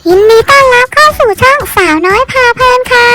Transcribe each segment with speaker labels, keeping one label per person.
Speaker 1: ยินดีต้อนรับเข้าสู่ช่องสาวน้อยพาเพลินค่ะ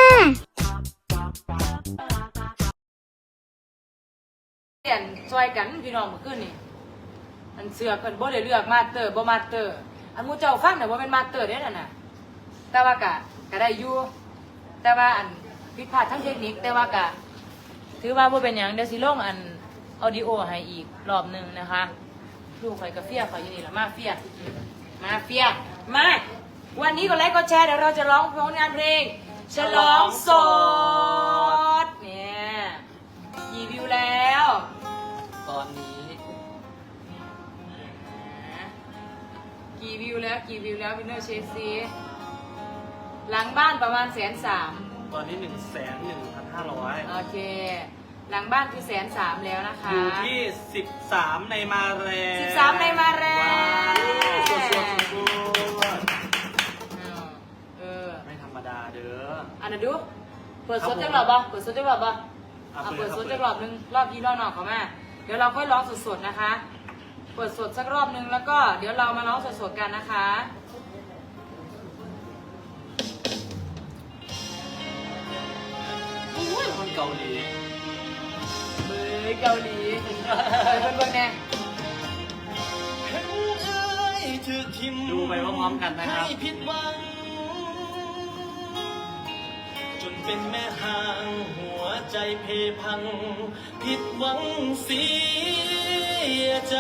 Speaker 2: เปลี่ยนซอยกันพี่น้องเมื่อคืนนี่อันเสือเพิ่นบ่ได้เลือกมาสเตอร์บ่มาสเตอร์อันหมู่เจ้าฟังน่ะบ่แม่นมาสเตอร์เด้นั่นน่ะแต่ว่ากะได้อยู่แต่ว่าอันผิดพลาดทางเทคนิคแต่ว่ากะถือว่าบ่เป็นหยังเดี๋ยวสิลงอันออดิโอให้อีกรอบนึงนะคะลูกข่อยก็เฟียข่อยอยู่นี่ล่ะมาเฟียมาวันนี้กดไลค์กดแชร์เดี๋ยวเราจะร้องผลงานเพลงฉลองโสดเนี่ยกี่วิวแล้ว
Speaker 3: ตอนนี้
Speaker 2: กี่วิวแล้ววินเนอร์เชฟซีหลังบ้านประมาณ130,000
Speaker 3: ตอนนี้ 1,1,500
Speaker 2: โอเคหลังบ้านคือ130,000แล้วนะคะ
Speaker 3: อยู่ที่13ในมาแรง
Speaker 2: 13ในมาแรง
Speaker 3: ไม่ธรรมดาเด้อ
Speaker 2: อันนั้นดูเปิดสดจังหรอปะเปิดสดจังหรอปะเปิดสดจังรอบนึงรอบยี่รอบนอกเขาแม่เดี๋ยวเราค่อยร้องสดๆนะคะเปิดสดสักรอบนึงแล้วก็เดี๋ยวเรามาร้องสดๆกันนะคะ
Speaker 3: คนเกาหลี
Speaker 2: เกาหลีเพื่อนๆแน่
Speaker 3: ดูไปพร้อมๆกันนะครับ
Speaker 4: จนเป็นแม่ห่างหัวใจเพพังผิดหวังเสียใจ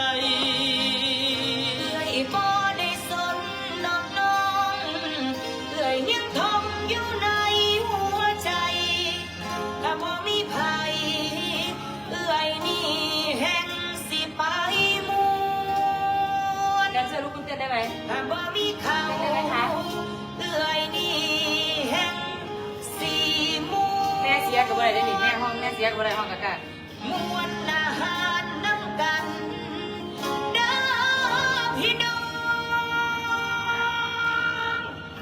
Speaker 2: ไอ้บ่ได้สนนอกน้องเอ่ยยังทมอยู่ในหัวใจถ้าบ่มีภัยเอ่ยนี่แห่งสิไปมัวแดนเซอร์ลุกขึ้นเต้นได้ไหมถ้าบ่มีเขาได้ไหมคะเอ่ยนี่แห่งสีมัวแม่เสียกับอะไรได้หนิแม่ห้องแม่เสียกับอะไรห้องกันมวนอาหารน้ำกันเด้อพี่น้อง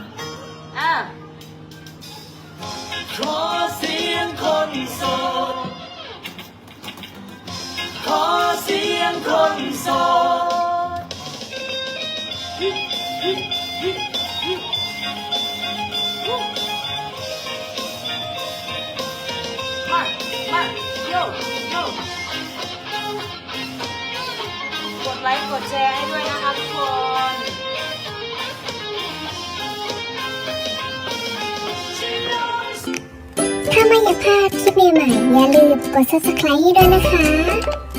Speaker 4: ขอเสียงคนโสดขอเสียงคนโสด
Speaker 2: มาโยกดไลค์กดแชร์ให้ด้วยนะคะทุกคน
Speaker 1: ถ้าไม่อยากพลาดคลิปใหม่ๆอย่าลืมกด subscribe ให้ด้วยนะคะ